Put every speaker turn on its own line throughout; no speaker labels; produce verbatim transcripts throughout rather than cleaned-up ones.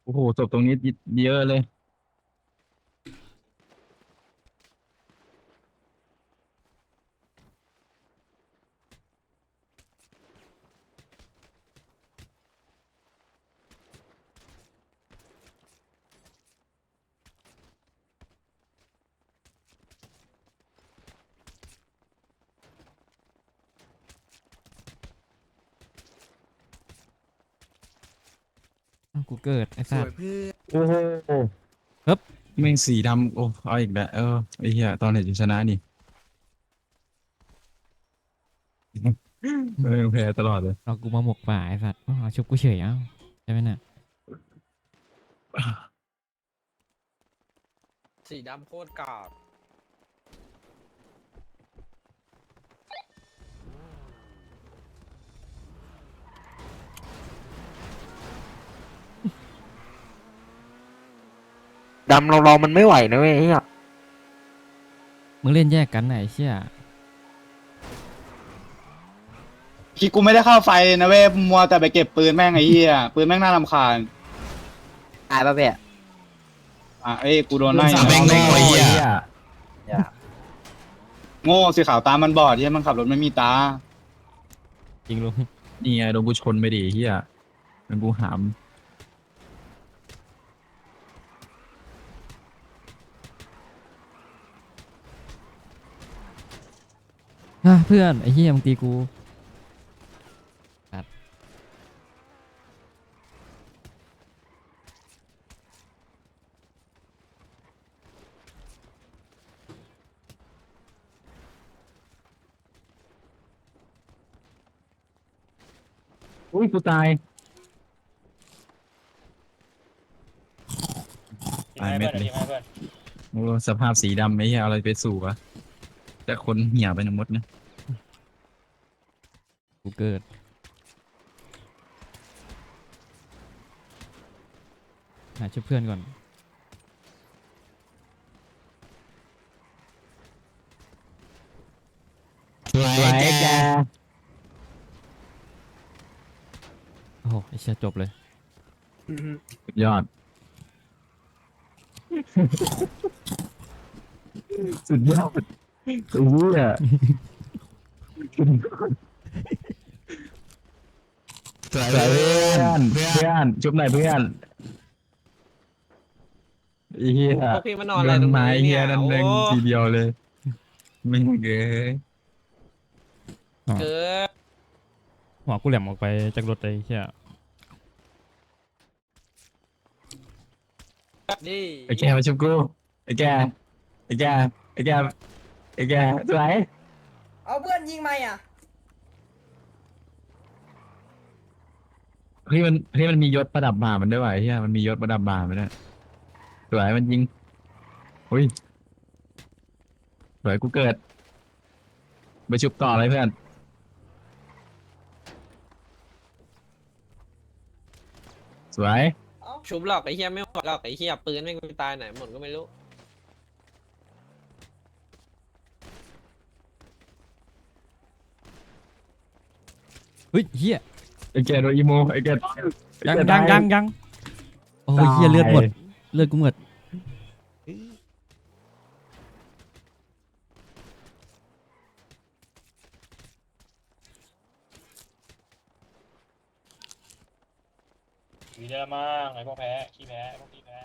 โอ้โหศพตรงนี้เยอะเลย
อ้าวกูเกิดไอ้สัตว์
โอ้โห
เฮ้บ
แม่งสีดำโอ้เอาอีกแล้วเออไอ้เหี้ยตอนไหนจะชนะนี่เออแพ้ตลอดเลย
เรากูมาหมกป่าไอ้สัตว์อ้าวชุบกูเฉยเอ้าใช่ไหมน่ะ
สีดำโคตรกรอบ
ดำเราเรามันไม่ไหวนะเว้ยไอ้เหี้ย
มึงเล่นแยกกันไหนเชี่ย
คิดกูไม่ได้เข้าไฟนะเว้ยมัวแต่ไปเก็บปืนแม่งไอ้เหี้ยปืนแม่งน่ารำคาญ
ตายป่ะเพ่
อ่ะเอ้ยกูโดนไล่
สามแม่งโง่ไอ้เหี้ย
โง่สีขาวตามันบอดเหี้ยมันขับรถไม่มีตา
จริงลุง
นี่ไงโดนกูชนไปดิไอ้เหี้ยโดนกูหาม
อ่ะเพื่อนไอ้เหี้ยมึงตีกูสัตว์
อุ้ยกูตายตายเม็ดเลยโอ้สภาพสีดำไอ้เหี้ยเอาอะไรไปสู่วะแต่คนเหี่ยไปหมดนะ
กูเกิดหาช่วยเพื่อนก่อน
สวยแก
โอ้โหไอ้เชี่ยจบเลย
สุดยอด สุดยอดไอ้เหี้ยสวยเพื่อนเพื่อนชุบหน่อยเพื่อนไอ้เหี้ย
พวกพี่มานอนอะไร
โด
ตรง
ไม้
นี้
เหี้
เนี่ย ย
นั่น
โอ้
เองทีเดียวเลยไม่เกย
เกิด
หัวกูแหลมออกไปจากรถเลยไอ้เชี่ย
ดิ
ไอ้แกมาชุบกูไอ้แกไอ้แกไอ้แกไอ้แกสวย
เอาเพื่อนยิงไหมอ่ะ
เฮ้ยมันเฮ้ยมันมียศประดับบ่ามันด้วยว่ะไอ้เหี้ยมันมียศประดับบ่ามันด้วยสวยมันยิงอุ้ยสวยกูเกิดไปชุบต่อเลยเพื่อนสวย
ชุบหลอกไอ้เหี้ยไม่หมดหรอกไอ้เหี้ยปืนไม่งไปตายไหนหมดก็ไม่รู้
เฮ้ยเหี้ย
ไอ้แกโดนอีโมไอ้แก
ยังยังยังยังโอ้ยเหี้ยเลือดหมดเลือดกูหมด
วีเดอร์มั่งไอ้พวกแพ้ขี้แพ้ไอ้พวกขี้แพ้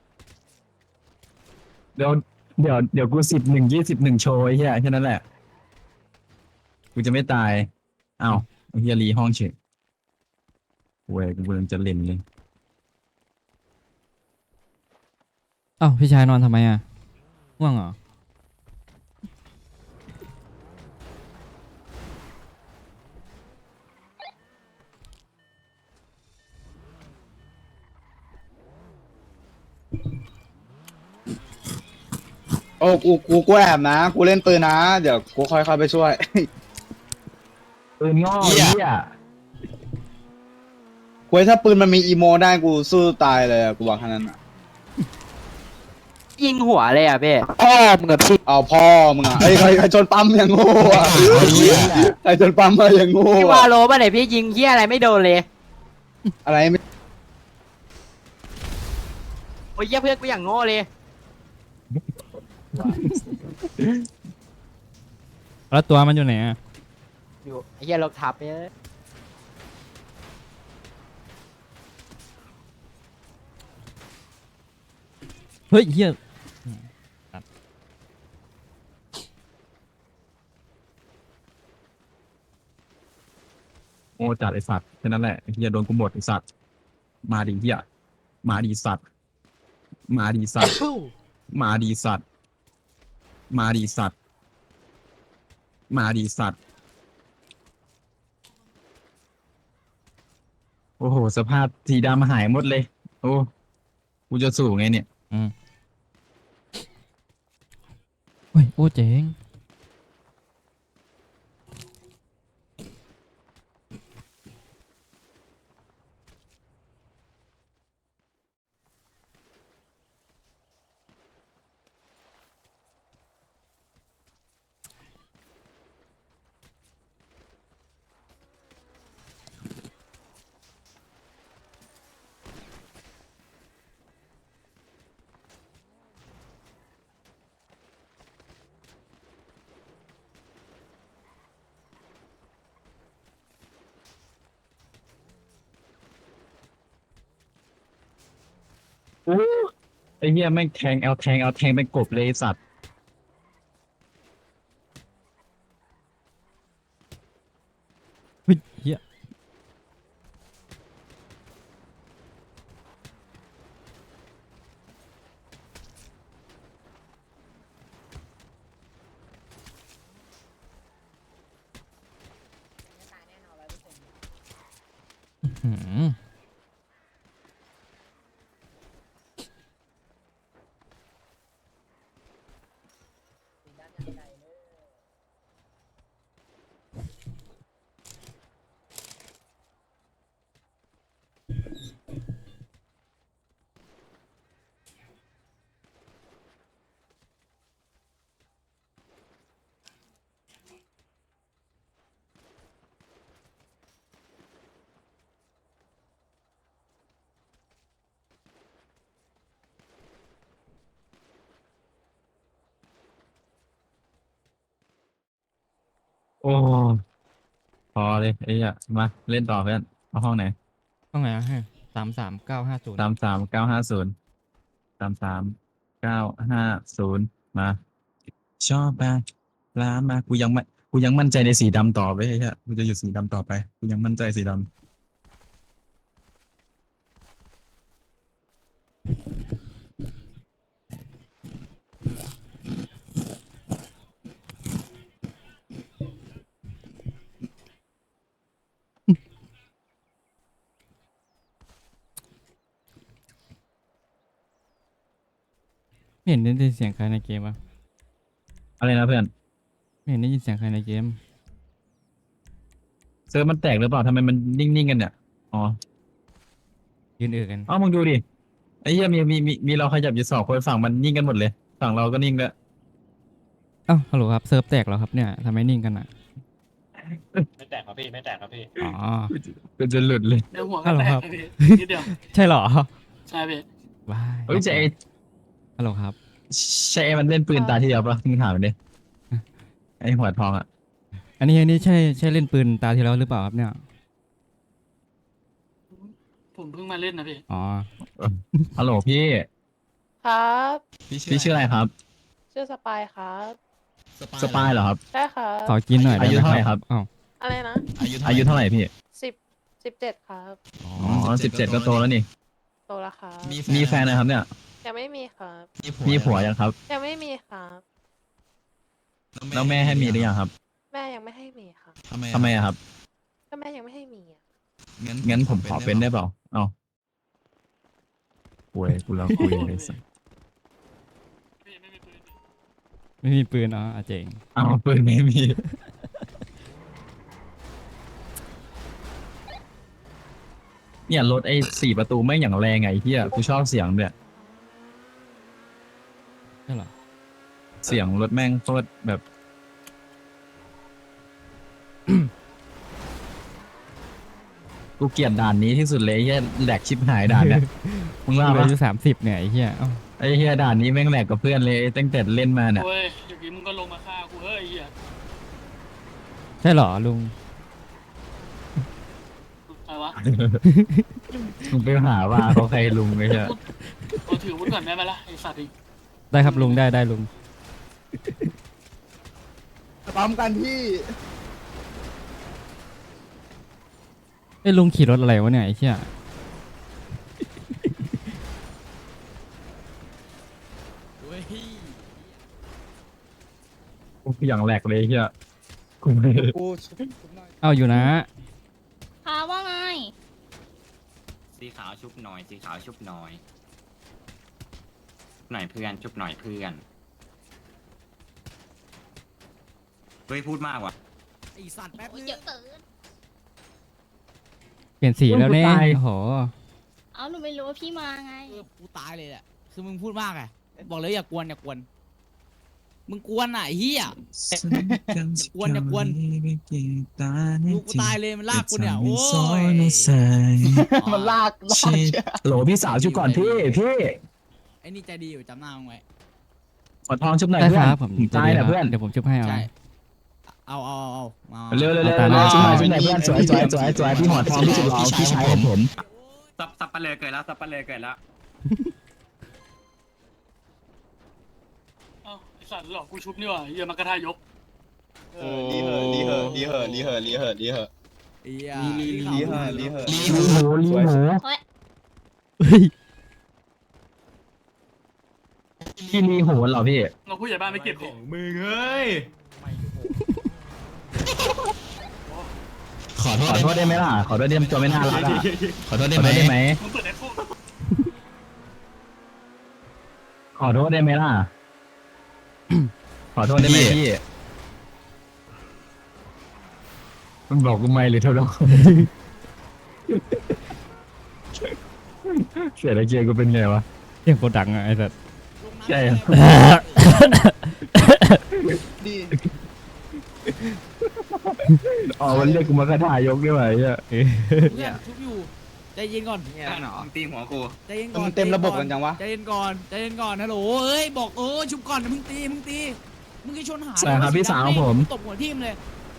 เดี๋ยวเดี๋ยวเดี๋ยวกูสิบหนึ่งยี่สิบหนึ่งโชว์ไอ้เหี้ยแค่นั้นแหละกูจะไม่ตายอ้าวไอ้เหี้ยรีห้องเฉยเว้ยกูกำลังจะเล่นเลย
อ้าวพี่ชายนอนทำไมอ่ะง่วงเหรอ
โอ้กูกูกูแอบนะกูเล่นปืนนะเดี๋ยวกูค่อยเข้าไปช่วย
ปืนง่อไอ้เหี้ย
กูถ้าปืนมันมีอีโมได้กูสู้ตายเลยอะกูบอกแค่นั้นอะ
ยิงหัวเลยอ่ะเพ่พ่อมึงกับพี่
เอาพ่อมึงอะไอ้ยใครใครชนปั๊มอย่างโง่อะใครชนปั๊มมาอย่างโง่
พี่วา
อะ
โลป่ะไหนพี่ยิงเหี้ยอะไรไม่โดนเลย
อะไรไม่
อ้ยเหี้ยเพื่อนกูอย่างโง่เลย
แล้วตัวมันอยู่ไหนอะ
อยู่ไอ้เหี้ยรถทับเนี่ย
เฮ้ยเฮีย
โง่จัดไอสัตว์แค่นั้นแหละไอ้เฮียโดนกูหมดไอสัตว์มาดีเฮียมาดีสัตว์มาดีสัตว์มาดีสัตว์มาดีสัตว์มาดีสัตว์โอ้โหสภาพสีดำหายหมดเลย โอ้กูจะสู้ไงเนี่ย
อืมเฮ้ยโอ้เจ๋ง
ไอ้เหี้ยแม่งแทงเอาแทงเอาแทงเป็นกบเลยไอ้สัตว์
เฮ้ยเฮีย อื้อหือ
โอ้พอเลยไอ้เหี้ยมาเล่นต่อเพื่อนเอาห้องไหน
ต้องไงอะให้สามสามเก้าห้าศูนย์
สามสามเก้าห้าศูนย์สามสามเก้าห้าศูนย์มาชอบมาลามากูยังไม่กูยังมั่นใจในสีดำต่อไปไอ้เหี้ยกูจะอยู่สีดำต่อไปกูยังมั่นใจสีดำ
ไม่เห็นได้ยินเสียงใครในเกมวะ
อะไรนะเพื่อน
ไม่เห็นได้ยินเสียงใครในเกม
เซิร์ฟมันแตกหรือเปล่าทำไมมันนิ่งๆกันเนี่ยอ๋อ
ยืนเอือกัน
เอ้ามึงดูดิไอ้เหี้ยมีมีมีมีเราขยับอยู่สองคนฝั่งมันนิ่งกันหมดเลยฝั่งเราก็นิ่งด้วย
เอ้าฮัลโหลครับเซิร์ฟแตกแล้วครับเนี่ยทำไมนิ่งกันอ่ะ
ไม่แตกครับพี่ไม่แตกครับพี่
อ๋อ
กูจะหลุดเลย
เดี๋ยวหัว
ฮั
ก็
ลโหล
แต
ครั
ก
บ
นะพี่นิดเดียว
ใช่เหรอ
ใช่พี่
ว้าย
เฮ้ยจะไอ้
ฮัลโหลครับ
ใช่ไอ้มันเล่นปืนตาที่เดียวปะมึงถามมันดิไอ้หัวทองอ่ะ
อันนี้อันนี้ใช่ใช่เล่นปืนตาที่แล้วหรือเปล่าครับเนี่ย
ผมเพิ่งมาเล่นนะพี่
อ๋อ
ฮัลโหลพี่
ครับ
พี่ชื่ออะไรครับ
ชื่อสปายครับ
สปายเหรอครับ
ใช่ครับ
ขอกินหน่อยได้
อายุ
ไหม
เท่าไหร่ครับ
อ้าว
อะไรนะ
อายุเท่าไหร่พี่
สิบสิบเจ็ดครับ
อ๋อ
อ๋อสิบเจ็ดก็โตแล้วนี่
โตแล้วครับ
มีแฟนนะครับเนี่ย
ยังไม่มีครับ
มีผัวยังครับ
ยังไม่มีครับ
แล้วแม่ให้มีหรือยังครับ
แม่ยังไม่ให้มีครับ
ทำไมอะครับ
ก็แม่ยังไม่ให้มีอ่ะ
งั้นผมขอเป็นได้เปล่าเอ้าคุยกูแล้วคุยเลยสัส
พี่ไม่มีปืน
ไม่มีปืนอ๋ออ่ะเจ๋ง
เอาปืนไม่มี เนี่ยรถไอ้สี่ประตูไม่งอย่างแรงไงเฮียกูชอบเสียงเนี่ย
ใช่เหรอ
เสียงรถแม่งโคตรแบบกูเกลียดด่านนี้ที่สุดเลยไอ้เฮียแหลกชิบหายด่านเนี่ยมึงว่า
กู
ปะ
อายุสามสิบเนี่ยไอ้เหี้ยเอ้า
ไอ้เฮียด่านนี้แม่งแหลกกับเพื่อนเลยตั้งแต่เล่นมาเนี่ย
โอ้ยอย่างนี้มึงก็ลงมาฆ่ากูเฮ้ยไอ้เหี้ย
ใช่เหรอลุง
อะไรวะ
มึงไปหาว่าเขาใครลุงไอ้เฮีย
เราถืออาวุธก่อนได้ไหมล่ะไอ้สัตว์อีก
ได้ครับลุงได้ได้ลุง
ปั๊มกันพี่
ไอ้ยลุงขี่รถอะไรวะเนี่ยไอ้เหี้ย
กูอย่างแหลกเลยไอ้เฮียกูไม่
กู
เอาอยู่นะ
ค่ะว่าไง
สีขาวชุบหน่อยสีขาวชุบหน่อยหน่อยเพื่อนชุบหน่อยเพื่อนเฮ้ยพูดมากว่ะ
โอ้ยเยอะเกิน
เปลี่ยนสีแล้วเนี่ยโอ้โห
เอาหนูไม่รู้ว่าพี่มาไง
เออกูตายเลยแหละ คือมึงพูดมากไงบอกเลยอย่ากวนอย่ากวน มึงกวนอ่ะไอ้เฮีย กวนอย่ากวนลูกกูตายเลยมันลากกูเนี่ย โอ้ย
มันลากลาก
โหลพี่สาวชุบก่อนพี่พี่
ไอ้นี่ใจดีอยู่จำหน้ามึงไว้
ขอทองชุบหน่อย
ได้
เพื่
ค
อน
รับผม
ตายแหละเพื่อน
เดี๋ยวผมชุบให้เอา
ใช่ เอาเอาเอาเอา
เร็วเร็วเร็ว
เอาตามนั้น
ชุบหน่อยชุบหน่อยเพื่อนสวยสวยสวยสวยพี่หอดทองพี่สุดหล่อพี่ชายของผม
ซับซับปะเลยเกิดแล้วซับปะเลยเกิดแล้ว
เอ้าไอ้สัตว์หลอกกูชุบนี่หว่าไอ้เหี้ยมันกระทายก
เออดีเหอะดีเหอะดีเหอะดีเหอะดีเหอะดีเหอะ
ไอ้เหี้ย
ลีลีลีเหอะลีเหอะ
ลีหมูลีหมู
เฮ้ย
พี่ลีโหนเหรอพี่
เราผู้ใหญ่บ้านไม่เก็บดิ
มึงเอ้ย
ขอโทษขอโทษได้ไหมล่ะขอโทษที่ทำตัวไม่น่ารักอ่ะขอโทษได้ไหมได้ไหม
มึงเปิดไอ้พวก
ขอโทษได้ไหมล่ะ ขอโทษได้ไหมพี่มันบอกกูไม่หรือเท่าไหร่เสียดายเกียร์กูเป็นไงวะ
เสียงโคตรดังอะไอ้สัส
ใช่
ดี
อ๋อมันเรียกกูมาคาถายกด้วยวะไอ้เหี้ย
เพื่อนชุบอยู่ ใจเย็นก่อน
แค่หนอมึงตีหัวกู
ใจเย็นก่อน
มันเต็มระบบกันจังวะ
ใจเย็นก่อนใจเย็นก่อนฮัลโหลเอ้ยบอกเออชุบก่อนนะมึงตีมึงตีมึงจะชนหา
ใช่ครับพี่สาวผม
ตบหัวทิ่มเลย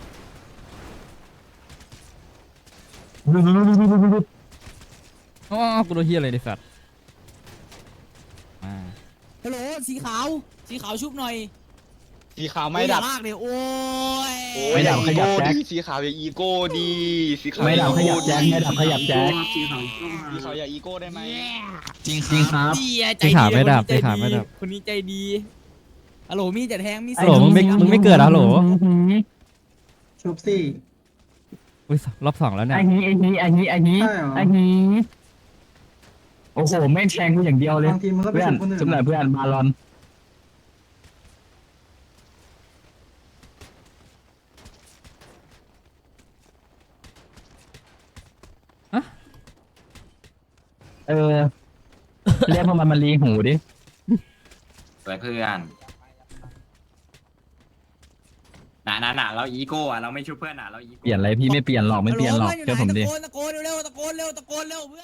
อ๋อกูโดนเหี้ยอะไรไอ้สัสมา
ฮัลโหลสีขาวสีขาวชุบหน่อย
สีขาวไม่ดับ
โอ้ยอย่าลากเลยโอ้ย
โอ้
ไม่ดับขยับแจ็ค
สีขาวอย่าอีโก้ดีสีขาว
ไม่ดับขยับแจ็คไม่ดับขยับแจ็ค
สีขาวอย่าอีโก้ได้ไหม
จริงจริงครับ
ดีอะใจ
สี
ดี
ขาวไม่ดับ
คน
สี
นี้ใจ
ขาวไม่ดับ
คนนี้ใจดีฮัลโหลมีจะแทงมี
ฮัลโหลมึงไม่มึงไม่เกิดเหรอฮัลโหล
ชุบสิ
อุ้ยรอบสองแล้วเนี่ย
ไอ้นี้ไอ้นี้ไอ้นี้ไอ้นี้ไอ้นี้โอ้โหแม่งแทงกูอย่างเดียวเลย
บางทีมันก็ไป
เพื่อน
ชุบคนอื่น
จุ๊บหน่อยเพื่อนบาลอนเออเรียกพวกมันมารีหูดิ
สวยเพื่อนหนาหนาหนาเราอีโก้อะเราไม่ชุบเพื่อนอะเราอีโก้
เปลี่ยนอะไรพี่ไม่เปลี่ยนหรอกไม่เปลี่ยนหรอก
ฮัลโ
เชื่อผมดิ
ตะโกนตะโกนเร็วๆตะโกนเร็วตะโกนเร็วเพื่อน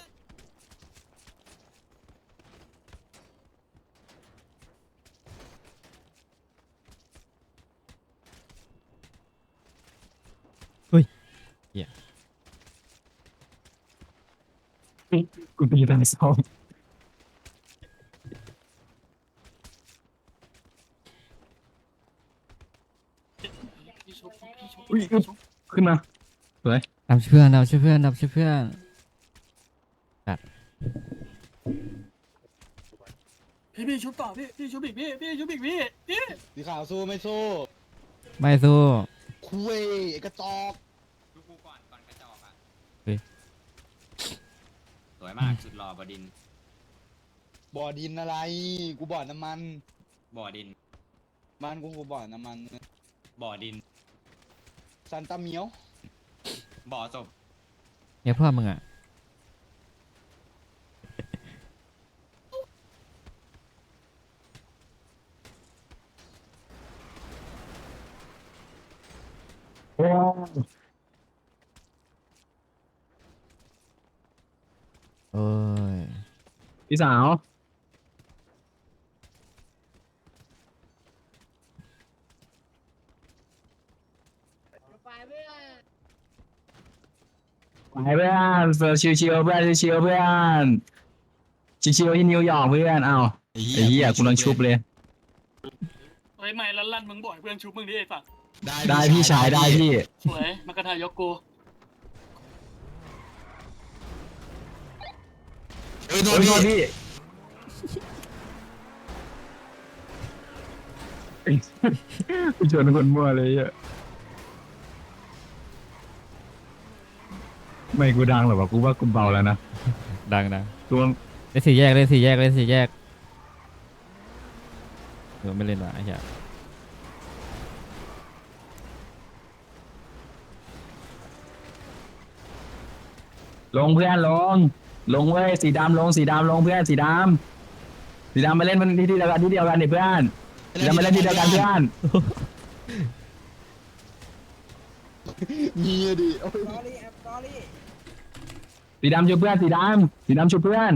กูตีตาสอง
พี่ชุบพี่ชุบ
อุ้ยอึ๊บขึ้นมาสวย
ดับช่วยเพื่อนดับช่วยเพื่อนดับช่วยเพื่อน
พี่พี่ชุบต่อพี่พี่ชุบอีกพี่พี่ชุบอีกพี่พี่
สีขาวสู้ไม่สู้
ไม่สู้
คุยไอ้กระจอก
ชุบกูก่อนก่อนกระจอกอะ
เฮ้ย
สวยมากสุดหล่อบดิน
บ่อดินอะไร กูบ่อน้ำมัน
บ่อดิน
บ้านกูกูบ่อน้ำมัน
บ่อดิน
ซันตาเมียว
บ่อศพ
เนี่ยพ่อมึงอ่ะ
โอ้พี่สาว ไปเพื่อนเฟิร์ชิวชิวๆเพื่อนชิวๆเพื่อนชิวๆที่นิวยอร์กเพื่อนเอ้าไอ้เหี้ยกูโดนชุบเลย
เฮ้ยไม่ลั่นลั่นมึงบ่อยเพื่อนชุบมึงดิไอ้สัตว์
ได้พี่ชายได้พี่
สวยมากระทายกกู
โอ้ยโทษพี่กูชวนคนมั่วเลยอ่ะไม่กูดังหรอวะกูว่ากูเบาแล้วนะ
ดังดัง
กูว่า
เล่นสี่แยกเล่นสี่แยกเล่นสี่แยกเออไม่เล่นว่ะไอ้เหี้ย
ลงเพื่อนลงลงเว้ยสีดำลงสีดำลงเพื่อนสีดำสีดำมาเล่นมันที่ที่เดียวกันที่เดียวกันดิเพื่อนสีดำมาเล่นที่เดียวกันเพื่อน
เงียดิ
สอรี่แอปสอรี่
สีดำชูเพื่อนสีดำสีดำชูเพื่อน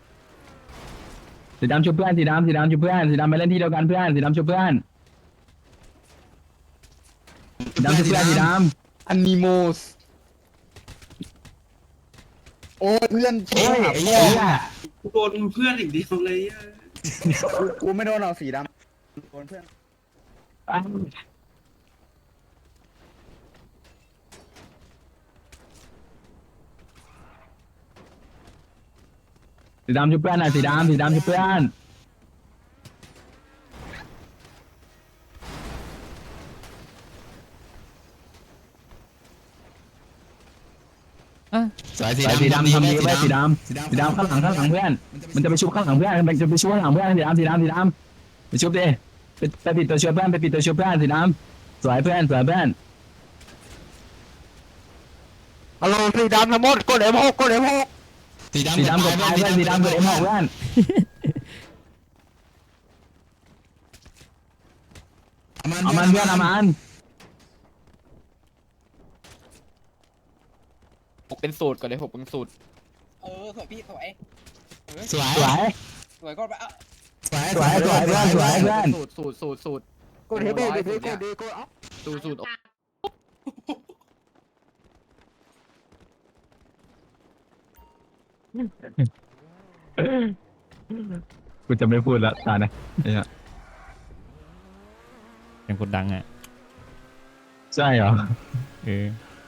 สีดำชูเพื่อนสีดำสีดำชูเพื่อนสีดำมาเล่นที่เดียวกันเพื่อนสีดำชูเพื่อนสีดำชูเพื่อนสีด
อันนิโมสโอ้ยเพื่อน
ำโอ้ยไอ้เหี้ย
โดนเพื่อนอีกเดียวเลยอะ
กูไม่โดนเอาสีดำโดนเพื่อน
สีดำชูเพื่อนหน่อยสีดำสีดำชูเพื่อน
อ่ะ
สายสีดำทำดีไว้สีดำสีดำข้างหลังข้างหลังเพื่อนมันจะไปชุบข้างหลังเพื่อนมันจะไปชุบข้างหลังเพื่อนสีดำสีดำสีดำไปชุบดิไปไปปิดตัวชุบเพื่อนไปปิดตัวชุบเพื่อนสีดำสวยเพื่อนสวยเพื่อน
ฮัลโหลสีดำทั้งหมดกดเอ็มหกกดเอ็มหก
สีดำกดตายเพื่อนสีดำกดเอ็มหกเพื่อนเอามันเพื่อนเอามัน
หกเป็นสูตรก่อนเลยหกเป็นสูตร
เออสวยพี่สวย
สวยสวย
สวยก็ไปอ่ะ
สวยสวยสวยเพื่อนสวยเพื่อน
สูตรสูตรสูตรสูตร
กดเอ็มหกดิกดดิกด
สูตรสูตร
กูจะไม่พูดละตานะเนี่ย
ยังคนดังอ่ะ
ใช่เหรอ
เออ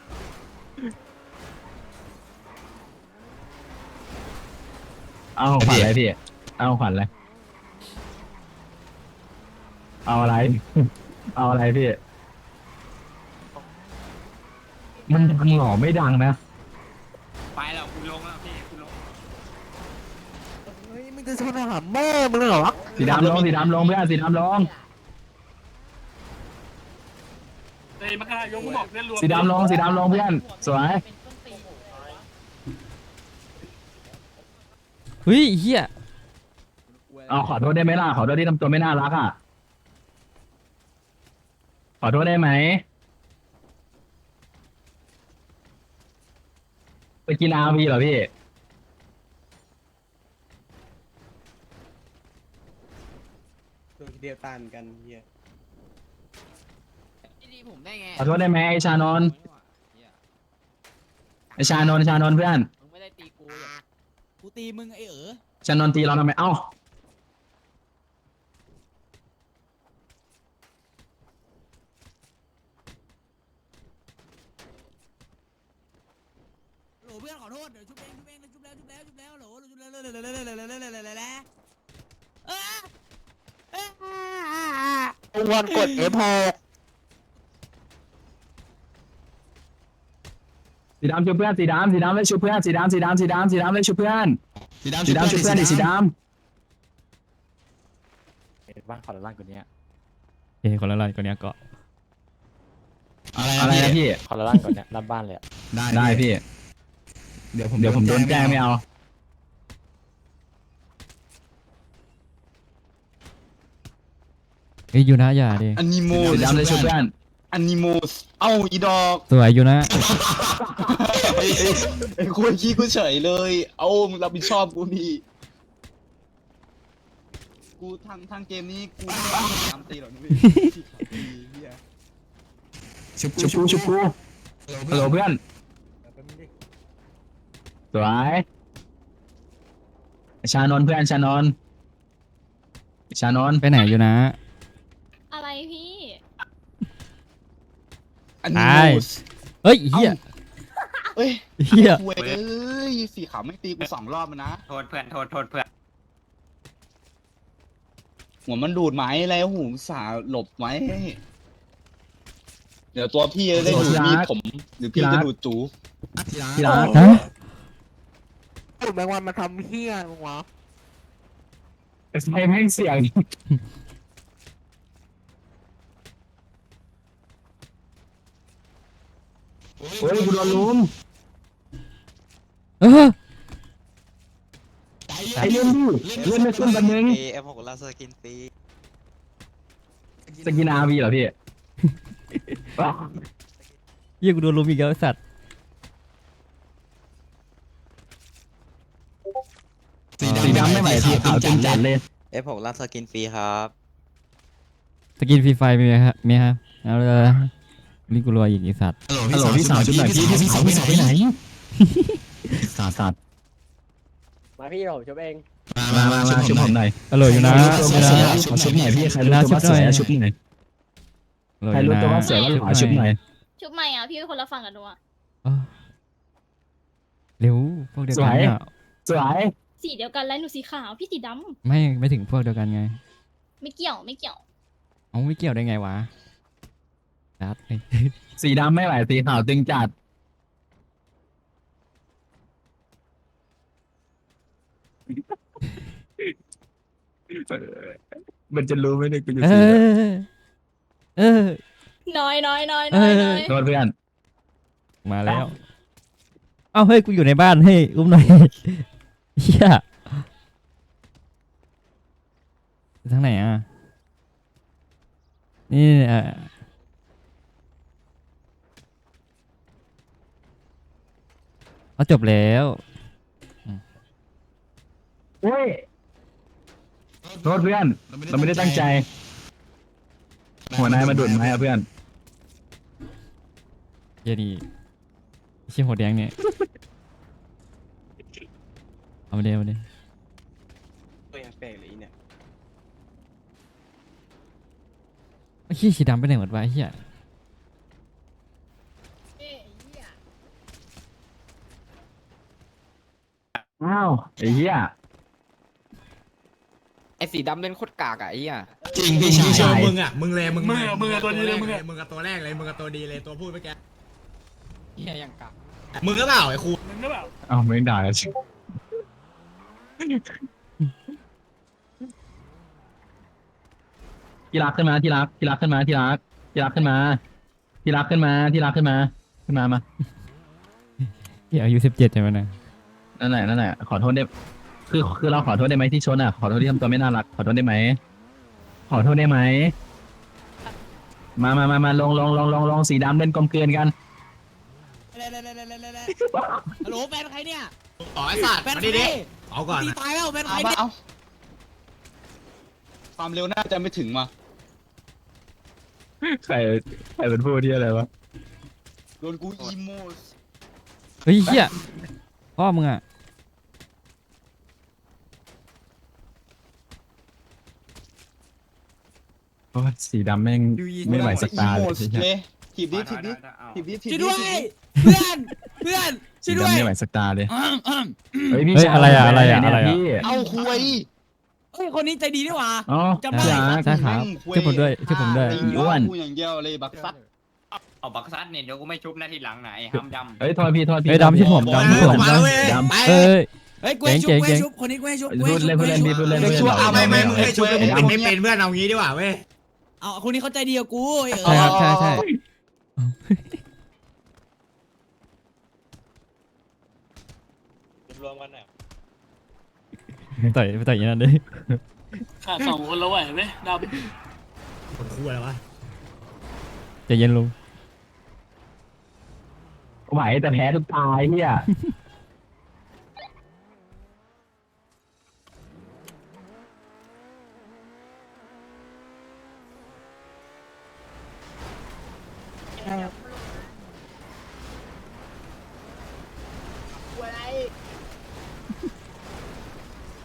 เอาของขวัญอะไรพี่เอาของขวัญอะไรเอาอะไร เอาอะไรพี่มันดังหรอไม่ดังนะ
ไปแล้วกูลงแล้วพี่กูลง
เฮ้ยมึงจะชนหาแม่มึงเหรอ
สีดำลงสีดำลงเพื่อนสีดำลง
เฮ้ยมากระทายกมึงบอกเพื่อนรวม
สีดำลงสีดำลงเพื่อนสวย
เฮ้ยเหี้ย
เอาขอโทษได้ไหมล่ะขอโทษที่ทำตัวไม่น่ารักอ่ะขอโทษได้ไหมไปกินอาร์พีเหรอพี่
ตัวเดียวตันกันเฮีย
ดีผมได้ไง
ขอโทษได้ไหมไอชานนท์ไอชานนท์ชานนท์เพื่อน
มึงไม่ได้ตีกูกูตีมึงไอ้เอ๋อ
ชานนท์ตีเราทำไมเอ้า
โหลเพื่อนขอโทษเดี๋ยวชุบเองชุบเองชุบแล้วชุบแล้วชุบแล้วโหลชุบแล้วเลยเลยเลยเลยเลยเลยเลยเลยเออเออ
วันกดเอ็มหก
สีดำช่วยเพื่อนสีดำสีดำเลยช่วยเพื่อนสีดำสีดำสีดำสีดำเลยช่วยเพื่อนสีดำสีดำช่วยเพื่อนดิสีด
บ้านขอละล่างกว่านี้
เอ้ยคนละลายคนเนี้ยเกาะ
ำอะไรนะพี่
ขอละล่างกว่านี้รับบ้านเลย
ได้พี่เดี๋ยวผมเดี๋ยวผมโดนแกล้งไม่เอา
เอ้ยยูนะอย่าดิ
อันนิโม
สีดำเลยช่วยเพื่อน
อันนิโมสเอ้าอีดอก
สวยยูนะ
ไอ้คุยขี้กูเฉยเลย เอามึงรับผิดชอบกูนี่กูทางทางเกมนี้กูไม่ได้ตามตีหรอกนะพี่เหี้ย
ชุบกูชุบกูชุบกูฮัลโหลเพื่อนสวยชานนท์เพื่อนชานนท์ชานนท์
ไปไหนอยู่นะ
อะไรพี่
อันนี้
ตาย เฮ้ยเฮีย
เอ้ย
เฮีย
คุยเอ้ยสีขาวไม่ตีกูสองรอบแล้วนะ
โทษเพื่อนโทษโทษเพื่อน
หัวมันดูดไหมแล้วหูสาหลบไหมเดี๋ยวตัวพี่จะได้ดูมีดผมหรือพี่จะดูดจู
ที่รัก
ฮะ
แมงวันมาทำเฮี้ยมึงวะ
ใช้แม่งเสียงโอ้ยกูโดนลุม
เออ
ไอ้เล่นดิเล่นไม่ขึ้นกันนึง
เอฟหกลาสกินฟรี
สกินอาร์วีเหรอพี่
เฮียกูโดนลุมอีกแล้วไอ้สัตว์
สีดำไม่ไหวสีขาวจริงจัดเลย
เอฟหกลาสกินฟรีครับ
สกินฟรีไฟมีไหมครับมีครับเอาเลยนี่กูรวยอีกไอ้สัตว์
ฮัลโหลพี่สาวชุดไหนพี่พี่สาวพี่สาวไปไหนสาดสาด
มาพี่ผมชุบเอง
มามามาชุบผมหน่อย
อร่อยอยู่นะ
ใครรู้ตัวว่าสวยขอชุบหน่อยพี่ใครรู้ตัวว่าสวยชุบหน่อย
อร่อย
ใคร
อยู่
รู้
นะ
ตัวว่าสวยขอชุบหน่อย
ชุบใหม่อ่ะพี่เป็นคนละฝั่งกับหนูอ่ะ
เออเร็วพวกเดียวกันเนี่ย
สวย
สีเดียวกันแล้วหนูสีขาวพี่สีด
ไม่ไม่ถึงพวกเดียวกันไง
ำไม่เกี่ยวไม่เกี่ยว
เอาไม่เกี่ยวได้ไงวะจัด
สีดำไม่ไหวสีขาวตึงจัดมันจะรู้ไหมเนี่ยกูอยู่
เอ
สี
อเออ
น้อยน้อยน้อยน้อยน้อย
โทษเพื่อน
มาแล้ว เอ้าเฮ้ยกูอยู่ในบ้านเฮ้ยอุ้มหน่อยเฮียทางไหนอ่ะนี่เออเอาจบแล้ว
โอ้ยโทษเพื่อนเราไม่ได้ตั้งใจ หัวนายมาดุดไหมอะเพื่อน
เหี้ยดีเชี่ยหัวแดงเนี่ยเอามาเดี๋ยวมาเดี๋ยว
ตัวอย่างแปลกเลยเนี่ย
ไอ้เหี้ยสีดำไปไหนหมดวะไอ้เหี้ย
อ้าวไอ้เหี้ย
ไอ้สีดำเล่นโคตรกากอะไอ้เหี้ย
จริงพี่ชาย
มึงอ่ะมึงเลยมึง
มึงอะมึงอะตัวดีเลยมึงอะ
มึงกับตัวแรกเลยมึงกับตัวดีเลยตัวพูดเมื่อกี้
เหี้ยยังกาก
มึงก็เปล่าไอ้ครู
มึงหรือเปล่า
อ้าวไม่ได้แล้วชิที่รักขึ้นมาที่รักที่รักขึ้นมาที่รักที่รักขึ้นมาที่รักขึ้นมาที่รักขึ้นมาขึ้นมามา
เหี้ยอายุสิบเจ็ดใช่ไหมนะ
นั่นแหละนั่นแหละขอโทษได้คือคือเราขอโทษได้ไหมที่ชนอ่ะขอโทษที่ทำตัวไม่น่ารักขอโทษได้ไหมขอโทษได้ไหมมามามามาลงลงลงลงลงสีดำเล่นกลมเกลือนกัน
ฮัลโหลแฟนใครเนี่ย
ต่อไอ้สัตว์
แฟน
มา
ใคร
ดิดิเอาก่อน
ตี
นะ
ตายแล้วแฟนใค
เอา
ร
มา
เนี่ย
เอาความเร็วน่าจะไม่ถึงมา
ใครใครเป็นผู้ที่อะไรวะ
โดนกูอีโมส
เฮ้ยเหี้ยพ่อมึงอ่ะ
โอ้ยสีดำแม่งไม่ไหวสตาร์
อี
เล
โม
ย
ส
ใช่ไหม
เลยถีบดิถีบดิถีบดิถีบ
ช่วย
ดิ
ด้วย
ถีบดิ
เพื่อนเพื่อน
สี
ช่วยด้วย
ดำไม่ไหวสตาร์เลย
อืมอืม
เฮ้ยพี่
เฮ้ย
ชาย
อะไรอะอะไรอะ
เนี่ย
อะไรอะ
พี่
เอาคุย
เฮ้ยคนนี้ใจดีนี่หว่า
อ๋อ
จำได้
พี่รัก
ใช่ครับช่วยผมด้วยช่วยผมด้วย
ตีอ้วนกูอย่างเดียวเลยบักซัด
เอาบักซัดเนี่ยเดี๋ยวกูไม่ชุบนะทีหลังไหนห้ามดำ
เฮ้ยโทษพี่โทษพี่
เฮ้ยดำชื่อผม
โอ้ย
ดำชื่อผม
มาแล้วเว้ย
ดำ
ไป
เอ้ย
เฮ้ยกูให้ชุบ
เจ๋ง
กู
เจ๋
ให้
ง
ชุบคนนี้กูให้ชุบ
พูดเล่นพูดเล่นพี่พูดเล่น
เฮ้ยชั่วเอา
ไม่ไม่มึง
ไม่
ให้ช่วย
ไม่
มึงเป็นไม่เป็นเพื่อนเอางี้ดีกว่าเว้ย
เอาคนนี้เขาใจดีกับกูเอ
ใช่ครับ
อ
ใช่ใช่
รวมกันหน่อย
ต่อยไปต่อยอย่างนั้นดิ
ขาดสองคนแล้วไหวไหมด
คนคู่อะไรวะ
ใจเย็นลุง
ไหวแต่แพ้ทุกตายเฮีย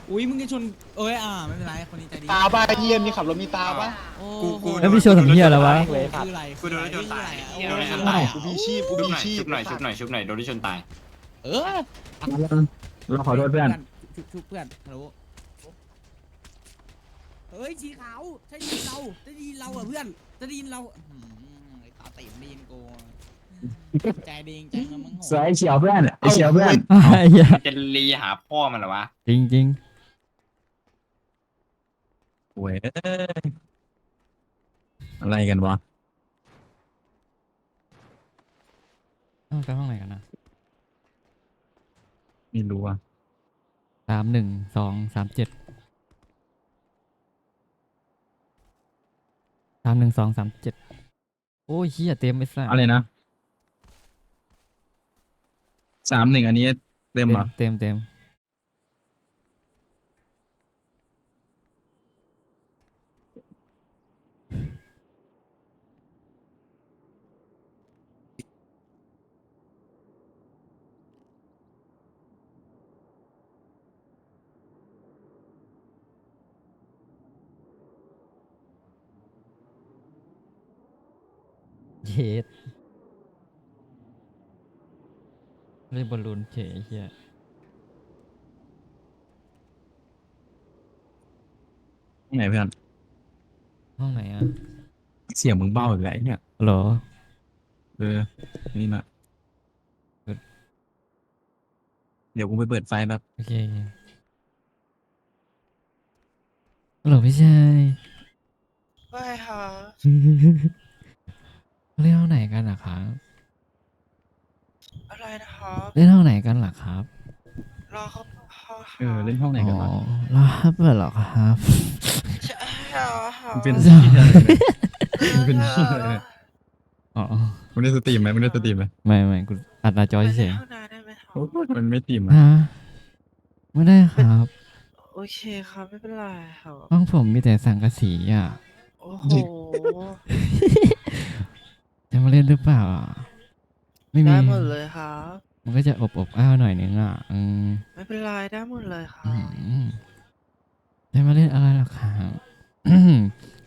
อุ้ยมึงจะชนเอ้ยอ่าไม่เป็นไรคนนี้ใจดี
ตาบ้าเยี่ยมมีขับรถมีตาปะ
โอ้
กูกู
แล้วพี่โชว์ทำเหี้ยอะไรวะ
คืออะไร
กูโดนรถชนตาย
คือ
โด
อะไร
นรถชน
อะ
ตาย
กูพีชีพกู
ชุบ
พี
หน่อย
ชีพ
ชุบหน่อยชุบหน่อยชุบหน่อยโดนรถชนตาย
เออ
เราขอโทษเพื่อน
ชุบชุบเพื่อนฮัลโหลเฮ้ยสีขาวใช่ดีนเราจะดีนเราเหรอเพื่อนจะดีนเราอื้อหือไอ้ตาติ๋มดีนกูใจดีจริงๆนะมึงโห
สวยไอ้เฉียวเพื่อนไอ้เฉียวเพื่อน
ไอ้เหี้ย
จะรีหาพ่อมันเหรอวะ
จริงจริง
โว้ยอะไรกันวะ
ๆต้องไปห้องไหนกันนะ
ไม่รู้อ่ะ
สามหนึ่งสองสามเจ็ดสามหนึ่งสองสามเจ็ดโอ้ยเฮียเต็มไปซะ
อะไรนะสามหนึ่งอันนี้เต็มเหรอ
เต็มเต็ม เย็ดเล่นบอลลูนเฉยเฮีย
ไหนเพื่อน
ห้องไหนอ่ะ
เสียงมึงเบ้าอีกแล้วไอ้เนี่ย
เหรอ
เออนี่มาเดี๋ยวกูไปเปิดไฟแบบ
โอเคเหรอพี่ชาย
ไม่ค่ะ
เล่นห้องไหนกันล่ะครับ
อะไรนะครับ
เล่นห้องไหนกันล่ะครับ
รอเขา
เออเล่นห้องไหน
อ๋
กันวะ
อรับเหรอครับ
ใช่ค่ะ
มันเป็นที่อะไรเนี่ยมันเป็นที่อะไรเนี่ย
อ๋อ
มึงได้สตรีมไหมมึงได้สตรีมไหม
ไม่ไม่กูอัดหน้าจอเฉย
ข้างในได้ไหมครับ
โอ้ยมันไม่สตรีม
ๆ
อ่ะ
ฮะไม่ได้ครับ
โอเคครับไม่เป็นไรครับ
ห้องผมมีแต่สังกะสีอ่ะ
โอ้โห
จะมาเล่นหรือเปล่าอ่ะไม่มี
ได้หมดเลยครับ
มันก็จะอบอบอ้าวหน่อยนึงอ่ะอืม
ไม่เป็นไรได้หมดเลยครั
อื
บ
มจะมาเล่นอะไรล่ะครับ อืม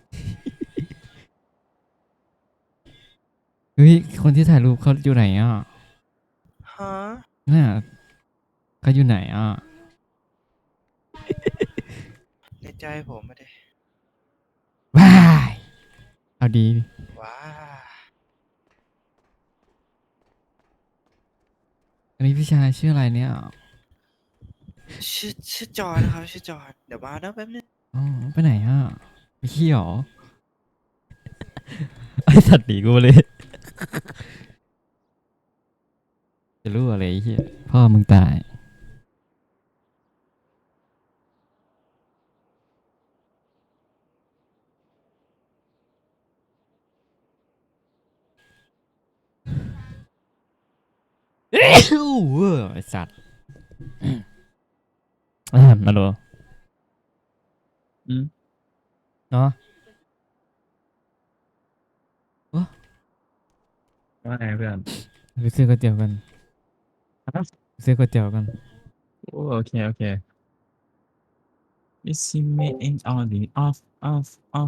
เฮ้ยคนที่ถ่ายรูปเขาอยู่ไหนอ่ะ
ฮะ
น่ะเขาอยู่ไหนอ่ะ
ในใจผมไม่ได้
ว้ายเอาดี
ว้า
อันนี้พี่ชายชื่ออะไรเนี่ย
ชื่อชื่อจอห์นนะครับชื่อจอห์นเดี๋ยวมานะแป๊บนึง
อ๋อไปไหนอ่ะไปขี้หรอ ไอสัตว์หนีกูมาเลย จะรู้อะไรไอ้เหี้ยพ่อมึงตาย เอ้ยเว้ยไอสัตว์อ่ามาดู
อืม
เนาะ
ว่าไงเพื่อน
ไปซื้อก๋วยเตี๋ยวกัน
ฮะ
ซื้อก๋วยเตี๋ยวกัน
โอ้โอเคโอเค It's me in all the off off off